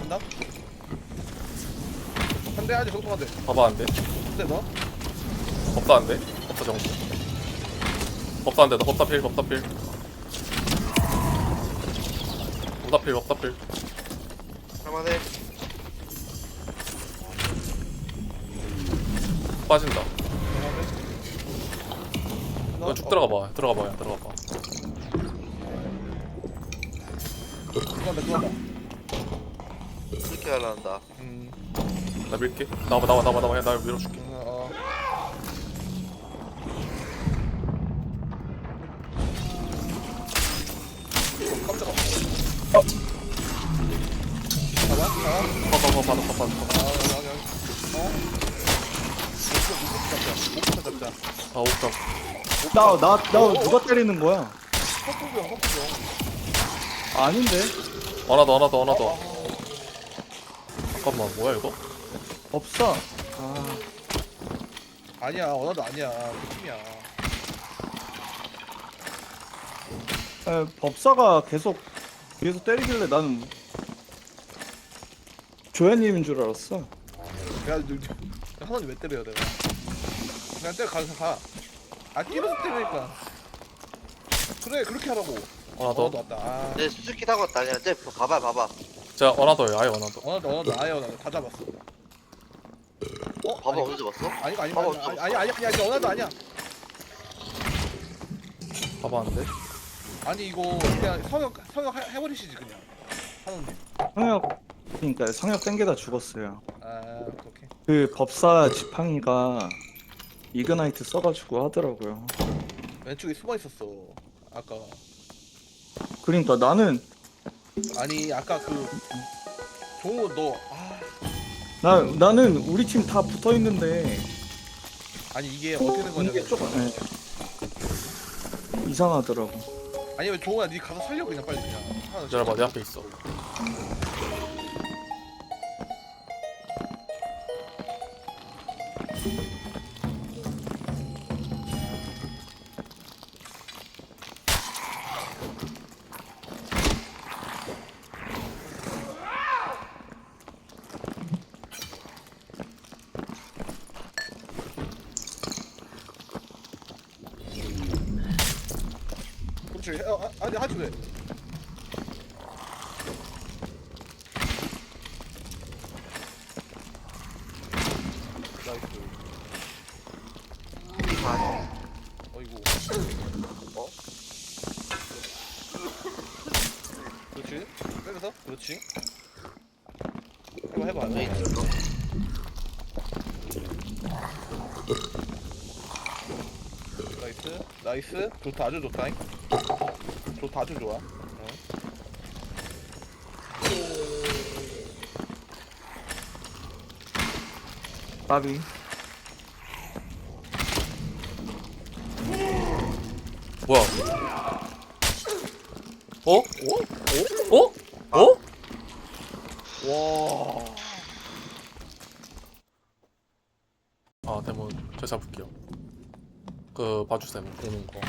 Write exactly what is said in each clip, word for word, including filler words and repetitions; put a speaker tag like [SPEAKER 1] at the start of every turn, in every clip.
[SPEAKER 1] 간다. 한 대 하지 정통 한 대.
[SPEAKER 2] 봐봐 안돼.
[SPEAKER 1] 한 대 너.
[SPEAKER 2] 법사 안돼. 법사 정수. 법사 안돼. 나 법사 필. 법사 필. 법사 필. 법사 필.
[SPEAKER 3] 할만해.
[SPEAKER 2] 빠진다.
[SPEAKER 1] 너
[SPEAKER 2] 너 쭉 들어가 봐. 들어가 봐. 야, 들어가 봐.
[SPEAKER 1] 들어간다 들어간다.
[SPEAKER 3] 그렇게 하려한다.
[SPEAKER 1] 음.
[SPEAKER 2] 나 밀게. 나와 나와 나와 나와. 야, 나 밀어줄게.
[SPEAKER 1] 어. 어. 어, 깜짝아. 어. 봐봐 봐봐.
[SPEAKER 2] 봐봐 봐봐 봐봐 봐봐.
[SPEAKER 1] 아 여기 여기 여기. 어. 목부터 잡자. 목부터 잡자.
[SPEAKER 2] 아 옥상.
[SPEAKER 4] 나, 나, 나 누가 때리는 거야?
[SPEAKER 1] 헛구경 헛구경.
[SPEAKER 4] 아닌데?
[SPEAKER 2] 하나 더 하나 더 하나 더. 잠깐만 뭐야 이거?
[SPEAKER 4] 없어. 아,
[SPEAKER 1] 아니야 원화도 아니야. 그 팀이야.
[SPEAKER 4] 에, 법사가 계속 위에서 때리길래 나는 조연님인 줄 알았어.
[SPEAKER 1] 야, 하나님 왜 때려요 내가? 그냥 때려 가서 가. 아 뛰면서 때리니까. 그래 그렇게 하라고.
[SPEAKER 2] 하나
[SPEAKER 1] 원화도
[SPEAKER 2] 더.
[SPEAKER 1] 왔다. 아,
[SPEAKER 3] 내 수수키 타고 왔다. 그냥 쟤 봐봐 봐봐.
[SPEAKER 2] 자 하나 더요. 아예 하나 더.
[SPEAKER 1] 원화도 원화도 아예 원화도 다 잡았어. 어?
[SPEAKER 3] 봐봐
[SPEAKER 1] 아니,
[SPEAKER 3] 언제 잡았어?
[SPEAKER 1] 아니 아니
[SPEAKER 3] 봐봐,
[SPEAKER 1] 아니
[SPEAKER 3] 없어,
[SPEAKER 1] 아니 아니 아니 아니 아니 원화도 아니야.
[SPEAKER 2] 봐봐 안돼.
[SPEAKER 1] 아니 이거 그냥 성역 성역 해- 해버리시지 그냥. 하는데.
[SPEAKER 4] 성역, 그러니까 성역 땡겨다 죽었어요.
[SPEAKER 1] 아 오케이.
[SPEAKER 4] 그 법사 지팡이가 이그나이트 써가지고 하더라고요.
[SPEAKER 1] 왼쪽에 숨어 있었어. 아까.
[SPEAKER 4] 그러니까 나는
[SPEAKER 1] 아니 아까 그 종우 너 아.
[SPEAKER 4] 나 나는 우리 팀 다 붙어 있는데
[SPEAKER 1] 아니 이게 어떻게 된
[SPEAKER 4] 이게
[SPEAKER 1] 거냐면
[SPEAKER 4] 조금 예. 이상하더라고.
[SPEAKER 1] 아니면 종우야 니 가서 살려 그냥 빨리 그냥 하나
[SPEAKER 2] 기다려봐 내 앞에 있어.
[SPEAKER 1] 그렇지 어, 아, 아니 하지 왜 나이스
[SPEAKER 3] 아,
[SPEAKER 1] 어이구
[SPEAKER 3] 어?
[SPEAKER 1] 그렇지 빼면서 그렇지 해봐 해봐
[SPEAKER 3] 왜
[SPEAKER 1] 해봐
[SPEAKER 3] 있어?
[SPEAKER 1] 나이스 나이스 좋다 아주 좋다 좋다 아주 좋아 어.
[SPEAKER 4] 까비.
[SPEAKER 2] 뭐야? 어? 어? 어? 어?
[SPEAKER 1] 와
[SPEAKER 2] 아 데몬 제가 잡을게요. 그 봐주세요 보는 거.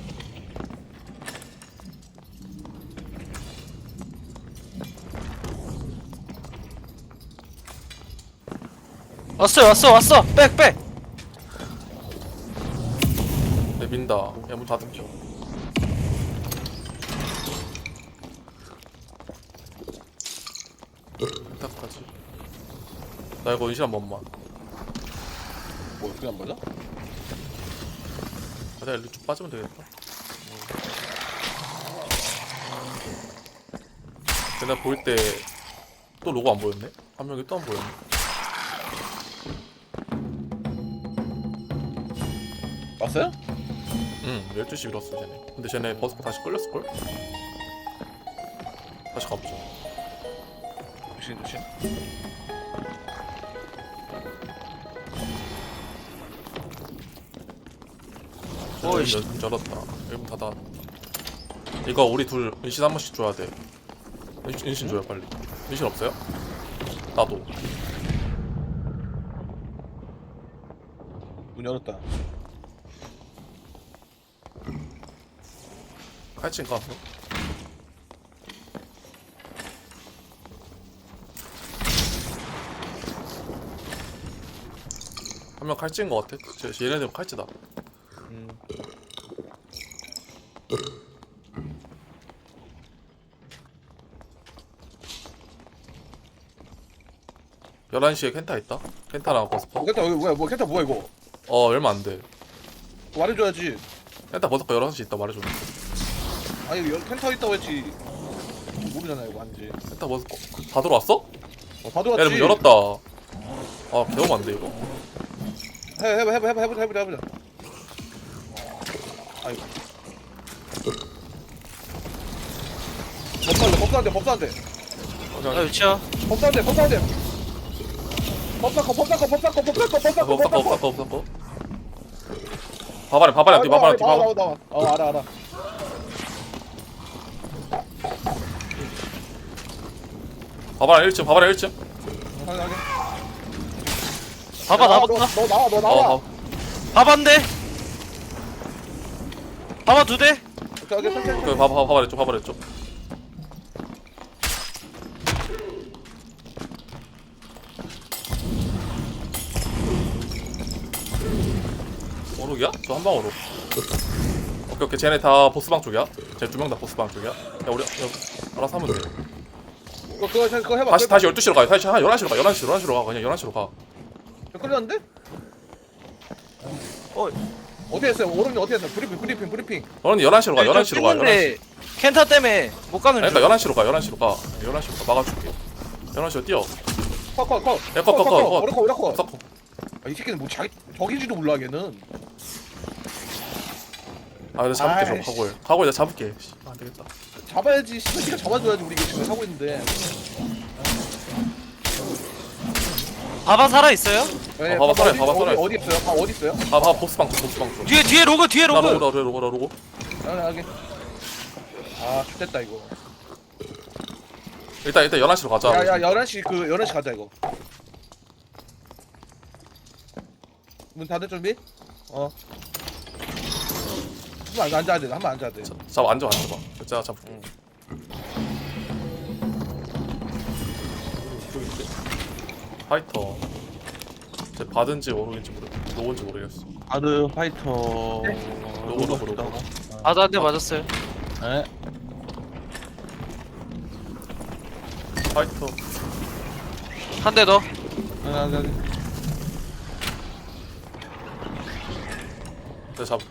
[SPEAKER 5] 왔어 왔어 왔어 백백
[SPEAKER 2] 내 민다. 야문 닫을게요. 딱까지. 나 이거 은실 한 번만.
[SPEAKER 1] 뭐 그게 안 맞아?
[SPEAKER 2] 아, 내가 일로 쭉 빠지면 되겠다. 내가 보일 때 또 로고 안 보였네? 한 명이 또 안 보였네.
[SPEAKER 1] 왔어요?
[SPEAKER 2] 응, 열두 시 밀었어 쟤네. 근데 쟤네 버스가 다시 끌렸을걸? 다시 가보자.
[SPEAKER 1] 조심 조심
[SPEAKER 2] 어이 씨. 문 열었다. 일문 닫아. 이거 우리 둘 은신 한 번씩 줘야 돼. 은신, 은신 줘요 빨리. 은신 없어요? 나도.
[SPEAKER 1] 문 열었다
[SPEAKER 2] 칼친 가서. 한 명 칼찌인 것 같아. 쟤, 쟤 얘네들 칼찌다.
[SPEAKER 1] 음.
[SPEAKER 2] 열한 시에 켄타 있다. 켄타랑 버스커.
[SPEAKER 1] 어, 켄타 여기 뭐야 뭐 켄타 뭐야 이거?
[SPEAKER 2] 어 얼마 안 돼.
[SPEAKER 1] 말해줘야지.
[SPEAKER 2] 켄타 버스커 열한 시 있다 말해줬는데.
[SPEAKER 1] 아니 여- 켄타 있다고 했지. 모르잖아 이거 아닌지.
[SPEAKER 2] 켄타 버스커 다 들어왔어?
[SPEAKER 1] 어, 봐도
[SPEAKER 2] 야,
[SPEAKER 1] 왔지.
[SPEAKER 2] 문 열었다. 아, 개업 안 돼, 이거.
[SPEAKER 1] 해 해봐 해봐 해봐 해보자 해보자 해보자. 아이고. 법사한테 법사한테 법사한테
[SPEAKER 5] 나 위치야.
[SPEAKER 1] 법사한테 법사한테. 법사커 법사커 법사커 법사커 법사커
[SPEAKER 2] 없었고, 없었고, 없었고. 바바리, 바바리, 뒤 바바리, 뒤
[SPEAKER 1] 나와
[SPEAKER 2] 바바리.
[SPEAKER 1] 나와 나와. 어 알아 알아.
[SPEAKER 2] 바바리 일 층, 바바리 일 층.
[SPEAKER 1] 하게 하게.
[SPEAKER 5] 봐봐 나봤다.
[SPEAKER 1] 너 나와 너 나와.
[SPEAKER 2] 어, 어.
[SPEAKER 5] 봐봤는데. 봐봐 두 대.
[SPEAKER 1] 오케이 오케이 천천히.
[SPEAKER 2] 그 바바, 바바리 쪽, 바바리 쪽. 오룩이야? 저 한 방 오룩. 오케이, 오케이. 쟤네 다 보스방 쪽이야. 쟤 두 명 다 보스방 쪽이야. 야, 우리, 야, 알아서 하면 돼.
[SPEAKER 1] 그거 그거 그거 해봐.
[SPEAKER 2] 다시, 다시 열두 시로 가. 다시 한 열한 시로 가. 열한 시, 열한 시로 가. 그냥 열한 시로 가.
[SPEAKER 1] 끌렸는데? 어 어디 했어요? 오른이 어디 했어? 브리핑 브리핑 브리핑.
[SPEAKER 2] 너는 열한 시로 가. 열한 시로 가. 열한 시.
[SPEAKER 5] 근데 켄타 때문에 못 가는 중.
[SPEAKER 2] 그러니까 열한 시로 가. 열한 시로 가. 열한 시로 가. 막아줄게. 열한 시로 뛰어.
[SPEAKER 1] 컷컷 컷.
[SPEAKER 2] 야, 컷, 컷, 컷, 컷.
[SPEAKER 1] 오래 컷 오래 컷.
[SPEAKER 2] 섞어.
[SPEAKER 1] 아, 이 새끼는 뭐 자기 저기지도 몰라 걔는.
[SPEAKER 2] 아, 근데 잡을게 좀
[SPEAKER 1] 아이씨.
[SPEAKER 2] 각오해. 각오해, 내가 잡을게. 씨, 안 되겠다.
[SPEAKER 1] 잡아야지. 씨가 잡아줘야지. 우리 이거 지금 하고 있는데.
[SPEAKER 5] 봐봐 살아 있어요?
[SPEAKER 1] 네,
[SPEAKER 2] 봐봐, 살아요,
[SPEAKER 1] 어디-
[SPEAKER 2] 봐봐,
[SPEAKER 1] 어디-
[SPEAKER 2] 살아요.
[SPEAKER 1] 어디 있어요? 아 어디 있어요?
[SPEAKER 2] 아, 봐, 보스방 쪽, 보스방 쪽.
[SPEAKER 5] 뒤에 뒤에 로그 뒤에
[SPEAKER 2] 나
[SPEAKER 5] 로그.
[SPEAKER 2] 로고, 나 로고, 나 로고.
[SPEAKER 1] 아 여기. 아 좋됐다 이거.
[SPEAKER 2] 일단, 일단 열한 시로 가자.
[SPEAKER 1] 야야 열한 시 그 열한 시 가자 이거. 문 닫을 준비? 어. 한번 안- 앉아야 돼. 한번 앉아야 돼.
[SPEAKER 2] 잡아, 앉아, 앉아봐. 제가 잡을게. 파이터. 쟤 받은지 모르겠지 모르, 로고인지 모르겠어.
[SPEAKER 6] 아드 파이터
[SPEAKER 2] 로고, 로고, 로고.
[SPEAKER 5] 아도 한 대 맞았어요.
[SPEAKER 6] 네.
[SPEAKER 2] 파이터.
[SPEAKER 5] 한 대 더.
[SPEAKER 1] 아, 여기.
[SPEAKER 2] 내가 잡을게.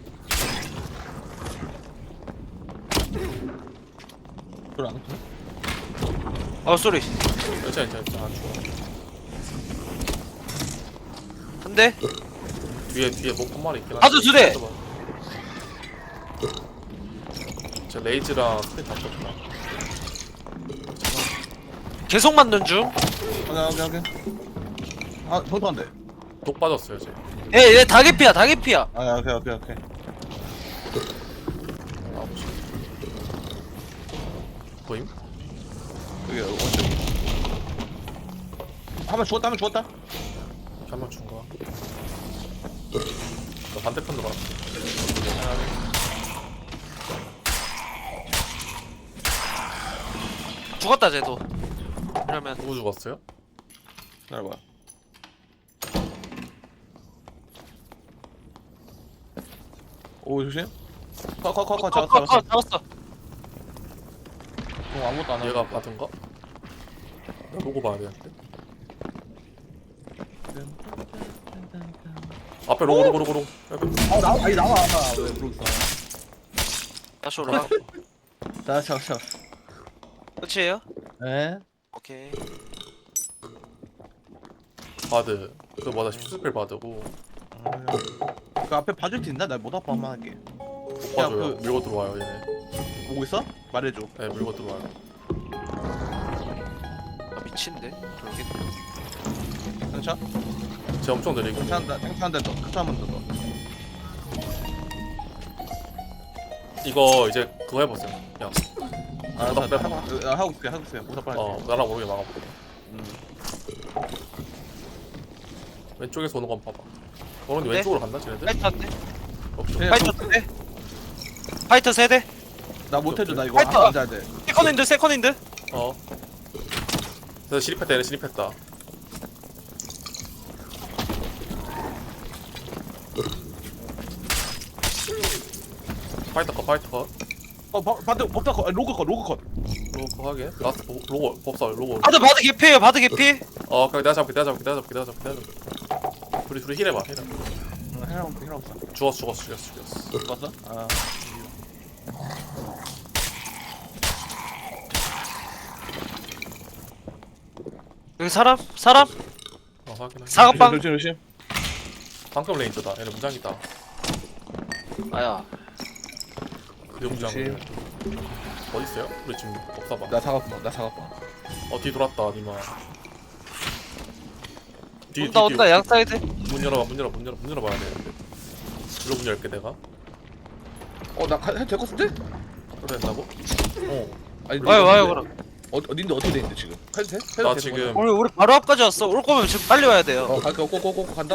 [SPEAKER 6] 그걸 안
[SPEAKER 5] 어 쏘리.
[SPEAKER 2] 괜찮아, 괜찮아, 괜찮아. 안 죽어.
[SPEAKER 5] 한 대.
[SPEAKER 2] 뒤에, 뒤에 목 한 마리 있긴 한데.
[SPEAKER 5] 아주 두 대.
[SPEAKER 2] 쟤 레이즈랑 스피드 다 떴구나.
[SPEAKER 5] 계속 맞는 중.
[SPEAKER 1] 오케이 오케이 오케이. 아 저도 안 돼.
[SPEAKER 2] 독 빠졌어요, 쟤.
[SPEAKER 5] 예, 얘 다개피야 다개피야.
[SPEAKER 1] 아 오케이 오케이 오케이.
[SPEAKER 2] 아, 보시. 보임?
[SPEAKER 1] 여기 원쪽이. 한번 죽었다 한번 죽었다.
[SPEAKER 2] 한명 준 거야. 너 반대편도 가.
[SPEAKER 5] 죽었다 쟤도. 이러면
[SPEAKER 2] 누구 죽었어요?
[SPEAKER 1] 기다려봐. 오 조심. 컷컷컷컷
[SPEAKER 5] 컷,
[SPEAKER 1] 잡았어
[SPEAKER 5] 컷,
[SPEAKER 1] 잡았어.
[SPEAKER 5] 컷, 잡았어.
[SPEAKER 1] 어, 아무것도 안 하고.
[SPEAKER 2] 얘가 받은가? 나 로고 봐야 되는데. 앞에 로고 로고 로고 로고.
[SPEAKER 1] 아 나와 아니 나와. 왜 그러겠어.
[SPEAKER 5] 다시 올라가.
[SPEAKER 1] 자 자, 자.
[SPEAKER 5] 끝이에요?
[SPEAKER 6] 네.
[SPEAKER 5] 오케이.
[SPEAKER 2] 바드. 그 뭐다 슈스펠 바드고.
[SPEAKER 1] 그 앞에 봐줄 수 있나? 나 못 아파 한번 할게.
[SPEAKER 2] 못 봐줘요.
[SPEAKER 1] 그-
[SPEAKER 2] 밀고 들어와요 얘네.
[SPEAKER 1] 보고 있어? 말해줘.
[SPEAKER 2] 네 밀고 들어와요.
[SPEAKER 5] 아 미친데. 돌겠네.
[SPEAKER 1] 괜찮?
[SPEAKER 2] 쟤 엄청 느리고.
[SPEAKER 1] 괜찮다. 괜찮다. 더. 괜찮으면 더. 더.
[SPEAKER 2] 이거 이제 그거 해보세요. 그냥
[SPEAKER 1] 아,
[SPEAKER 2] 나-
[SPEAKER 1] 나, 나, 나, 나 하고 있을게. 하고 있을게. 못 아파.
[SPEAKER 2] 어 나랑 모르게 막아볼게.
[SPEAKER 1] 음.
[SPEAKER 2] 왼쪽에서 오는 건 봐봐. 오른쪽
[SPEAKER 5] 네?
[SPEAKER 2] 왼쪽으로 간다 쟤네들?
[SPEAKER 5] 파이터 한 대.
[SPEAKER 2] 없죠.
[SPEAKER 1] 네.
[SPEAKER 5] 파이터 두 대. 파이터 세 대.
[SPEAKER 1] 나 못해줘. 나 이거
[SPEAKER 5] 파이터!
[SPEAKER 1] 한번 앉아야 돼.
[SPEAKER 5] 세컨인드 세컨인드.
[SPEAKER 2] 어. 그래서 실입했다 얘네 실입했다. 파이터 컷 파이터 컷
[SPEAKER 1] 어 바, 바드 법사 컷 아니, 로그 컷 로그 컷
[SPEAKER 2] 로고 하게 라스트 보- 로고 법사 로고
[SPEAKER 5] 바드 바드 개피에요 바드 개피.
[SPEAKER 2] 어 그래 내가 잡을게 내가 잡을게 내가 잡을게 내가 잡을게 내가 잡을게 둘이 둘이 힐해봐 힐해봐
[SPEAKER 1] 응 해랑 해랑 없어
[SPEAKER 2] 죽었어 죽었어 죽였어 죽였어
[SPEAKER 1] 죽었어? 아
[SPEAKER 5] 여기 사람 사람
[SPEAKER 2] 어 확인해
[SPEAKER 5] 사각방.
[SPEAKER 1] 조심 조심
[SPEAKER 2] 방금 레인저다 얘네 무장이다
[SPEAKER 5] 아야.
[SPEAKER 2] 그 무장
[SPEAKER 1] 조심.
[SPEAKER 2] 어디 있어요? 우리 지금 법사 봐.
[SPEAKER 1] 나 사갔어 나 사갔어
[SPEAKER 2] 어 뒤 돌았다 니마. 뒤,
[SPEAKER 5] 온다
[SPEAKER 2] 뒤,
[SPEAKER 5] 온다
[SPEAKER 2] 뒤.
[SPEAKER 5] 양 사이드.
[SPEAKER 2] 문 열어봐 문 열어 문 열어 문 열어봐야 되는데. 일로 문 열게 내가.
[SPEAKER 1] 어나 해도 될 것 같은데?
[SPEAKER 2] 그래 된다고? 어.
[SPEAKER 1] 아니
[SPEAKER 5] 와요 와요
[SPEAKER 1] 근데
[SPEAKER 5] 그럼.
[SPEAKER 1] 어, 어딘데 어떻게 돼있는데 지금? 해도 돼? 해도
[SPEAKER 2] 나
[SPEAKER 1] 되는
[SPEAKER 2] 지금
[SPEAKER 5] 우리 우리 바로 앞까지 왔어. 올 거면 지금 빨리 와야 돼요.
[SPEAKER 1] 거야? 어 갈게 꼬꼬꼬꼬 간다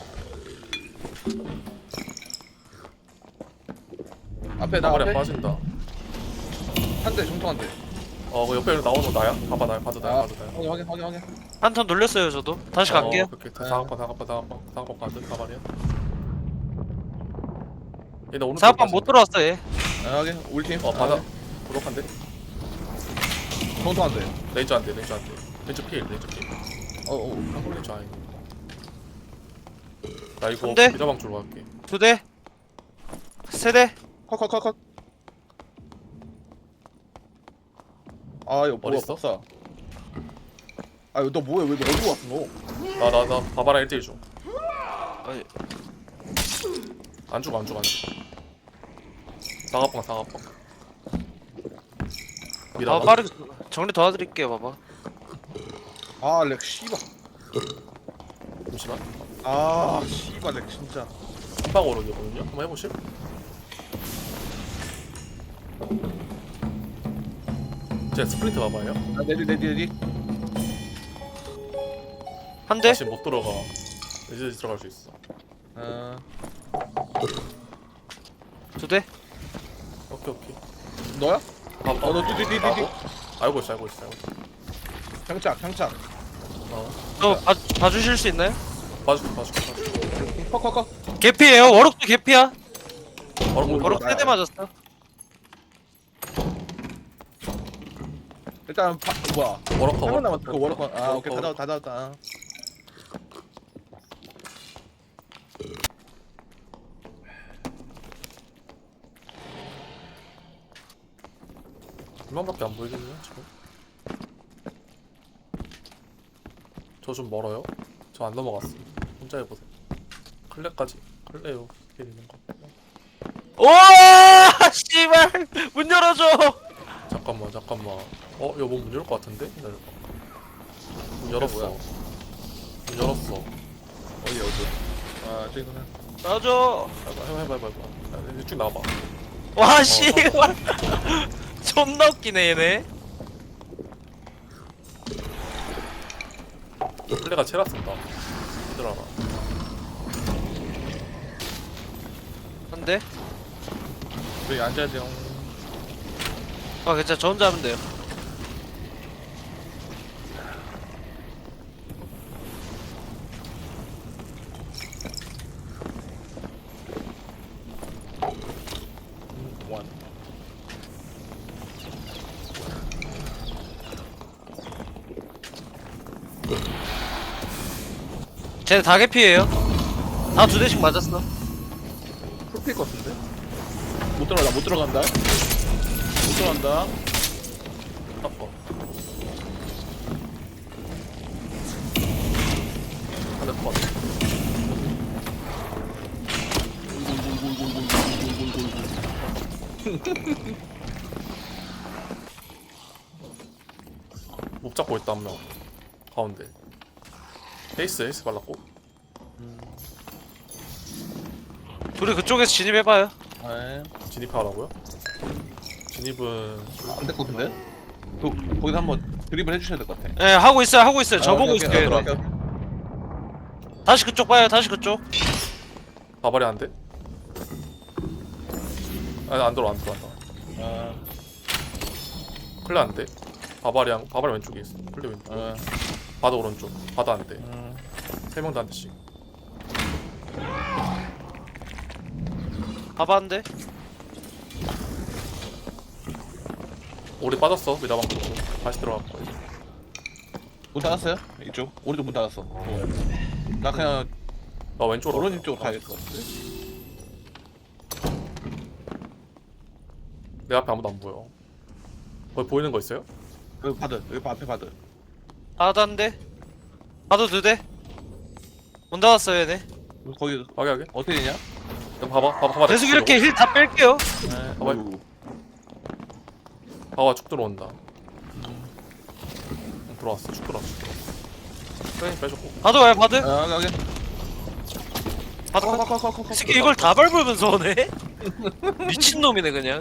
[SPEAKER 1] 앞에 나
[SPEAKER 2] 나발에
[SPEAKER 1] 앞에
[SPEAKER 2] 빠진다.
[SPEAKER 1] 한대 중통 한대
[SPEAKER 2] 어 그 옆에 나오는 거 나야? 봐봐 나 봐도 나야
[SPEAKER 1] 아
[SPEAKER 2] 봐도 나야.
[SPEAKER 1] 확인 확인 확인 확인
[SPEAKER 5] 한 턴 돌렸어요 저도. 다시 갈게요.
[SPEAKER 2] 어, 오케이 다가빠 다가빠 다가빠 다가빠 가든 가발이야. 얘나 오늘
[SPEAKER 5] 사업방 못 들어왔어 얘.
[SPEAKER 1] 아 확인 우리 팀
[SPEAKER 2] 어 바다 부족한데?
[SPEAKER 1] 중통 한대
[SPEAKER 2] 레이저 안돼 레이저 안돼 레이저 필 레이저 필
[SPEAKER 1] 어어
[SPEAKER 2] 한골 레이저 아니. 나 이거
[SPEAKER 5] 근데?
[SPEAKER 2] 기자방 쪽으로 갈게.
[SPEAKER 5] 두 대. 세 대.
[SPEAKER 1] 컷컷컷컷 아 이거 뭐야
[SPEAKER 2] 어딨어?
[SPEAKER 1] 법사 아 이거 너 뭐야 왜 어디로 왔어 너
[SPEAKER 2] 나 나 나 바바랑 일 대일 줘.
[SPEAKER 5] 아니,
[SPEAKER 2] 안 죽어 안 죽어 안 죽어. 사과빵 사과빵.
[SPEAKER 5] 아
[SPEAKER 2] 미라가
[SPEAKER 5] 빠르게 정리 도와드릴게요 봐봐.
[SPEAKER 1] 아렉 씨발
[SPEAKER 2] 잠시만.
[SPEAKER 1] 아 씨발 렉 진짜
[SPEAKER 2] 한방으로 이거든요. 한번 해보실? 제 스프린트 봐봐요.
[SPEAKER 1] 아 내리 내리 내리
[SPEAKER 5] 한 대.
[SPEAKER 2] 다시 못 들어가. 이제 들어갈 수 있어.
[SPEAKER 1] 어
[SPEAKER 5] 두 대.
[SPEAKER 2] 오케이 오케이.
[SPEAKER 1] 너야?
[SPEAKER 2] 아,
[SPEAKER 1] 어너 뒤뒤뒤뒤
[SPEAKER 2] 나고? 알고 있어 알고 있어 알고 있어.
[SPEAKER 1] 장착 장착
[SPEAKER 2] 어.
[SPEAKER 5] 저 봐, 봐주실 수 있나요?
[SPEAKER 2] 봐줄게 봐줄게 봐줄게.
[SPEAKER 1] 컷컷컷
[SPEAKER 5] 개피예요. 워럭도 개피야.
[SPEAKER 2] 바로 뭐
[SPEAKER 5] 워럭 세 대 맞았어.
[SPEAKER 1] 일단 바, 뭐야
[SPEAKER 2] 워럭커
[SPEAKER 1] 한번 남았다 그 워럭 아
[SPEAKER 2] 워럭커,
[SPEAKER 1] 오케이 다
[SPEAKER 2] 워럭커.
[SPEAKER 1] 잡았다 다 잡았다
[SPEAKER 2] 얼마밖에 안 보이겠네요 지금. 저 좀 멀어요. 저 안 넘어갔어. 혼자 해보세요. 클레까지 클레요 길 있는 거.
[SPEAKER 5] 오 씨발 문 열어줘.
[SPEAKER 2] 잠깐만 잠깐만. 어 이거 문 열을 것 같은데? 기다려봐. 문 열었어.
[SPEAKER 1] 뭐야?
[SPEAKER 2] 문 열었어.
[SPEAKER 1] 어디 어디 아 저기구나
[SPEAKER 5] 놔줘.
[SPEAKER 2] 해봐 해봐 해봐 해봐. 해봐. 야, 쭉 나와봐.
[SPEAKER 5] 와 씨발. 존나 웃기네 얘네.
[SPEAKER 2] 플레가 체라 쓴다. 얘들아.
[SPEAKER 5] 한 대.
[SPEAKER 1] 여기 앉아야 돼요
[SPEAKER 5] 아 괜찮아 저 혼자 하면 돼요.
[SPEAKER 1] 원
[SPEAKER 5] 쟤네 다 개피예요. 다 두 대씩 맞았어.
[SPEAKER 1] 풀필 것 같은데? 못 들어간다 못 들어간다 못 들어간다
[SPEAKER 2] 아파. 하나 컷. 못 잡고 있다 한 명. 가운데. 에이스 에이스 발랐고.
[SPEAKER 5] 둘이 그쪽에서 진입해봐요.
[SPEAKER 1] 네
[SPEAKER 2] 진입하라고요? 진입은
[SPEAKER 1] 안될 것 같은데? 그, 거기서 한번 드립을 해주셔야 될 것 같아
[SPEAKER 5] 예 하고 있어요 하고 있어요. 저
[SPEAKER 1] 아,
[SPEAKER 5] 보고
[SPEAKER 1] 오케이, 오케이,
[SPEAKER 5] 있어요.
[SPEAKER 1] 오케이,
[SPEAKER 5] 얘네.
[SPEAKER 1] 오케이.
[SPEAKER 5] 다시 그쪽 봐요. 다시 그쪽.
[SPEAKER 2] 바발이 안 돼? 아니 안 들어 안 들어 안 들어.
[SPEAKER 1] 아,
[SPEAKER 2] 클레 안 돼. 바발이랑 바발 왼쪽에 있어. 클레 왼쪽.
[SPEAKER 1] 아,
[SPEAKER 2] 바다 오른쪽. 바다 안 돼.
[SPEAKER 1] 음.
[SPEAKER 2] 세 명 다 한 대씩.
[SPEAKER 5] 봐봐 한 대.
[SPEAKER 2] 우리 빠졌어 미라방 쪽으로 다시 들어갔고
[SPEAKER 6] 문 닫았어요? 이쪽 우리도 문 닫았어. 나 그냥
[SPEAKER 2] 나 왼쪽으로
[SPEAKER 6] 오른쪽 쪽으로 가야 될 것 같은데.
[SPEAKER 2] 내 앞에 아무도 안 보여 거기 보이는 거 있어요?
[SPEAKER 6] 여기 바드 여기 앞에 바드.
[SPEAKER 5] 하나도 안 돼. 하도 두 대. 문 닫았어요 얘네.
[SPEAKER 6] 거기
[SPEAKER 2] 하게 하게
[SPEAKER 6] 어떻게 되냐?
[SPEAKER 2] 그럼 봐봐 봐봐 봐봐
[SPEAKER 5] 계속 이렇게 힐 다 뺄게요.
[SPEAKER 6] 네.
[SPEAKER 2] 봐봐 봐봐 쭉 들어온다 응, 들어왔어 쭉 들어왔어 쭉 들어왔어 프레임 빼줬고
[SPEAKER 5] 바드 와요 바드.
[SPEAKER 6] 아 여기.
[SPEAKER 5] 바드 컷.
[SPEAKER 6] 커커커커커.
[SPEAKER 5] 이 새끼 이걸 다 밟으면서 오네. 미친놈이네 그냥.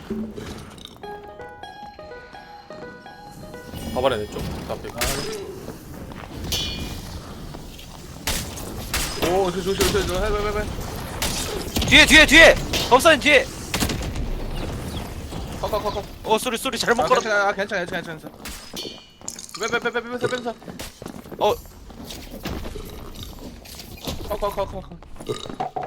[SPEAKER 2] 봐봐라 내쪽 앞에
[SPEAKER 6] 오 조심 조심 조심. 해봐봐봐.
[SPEAKER 5] 뒤에 뒤에 뒤에. 법사님 뒤에.
[SPEAKER 6] 커커커커.
[SPEAKER 5] 어 쏘리 쏘리 잘못
[SPEAKER 6] 아
[SPEAKER 5] 걸었.
[SPEAKER 6] 괜찮아 아, 괜찮아 괜찮아 괜찮아. 빼빼빼빼빼빼 빼빼.
[SPEAKER 5] 어
[SPEAKER 6] 커커커커커.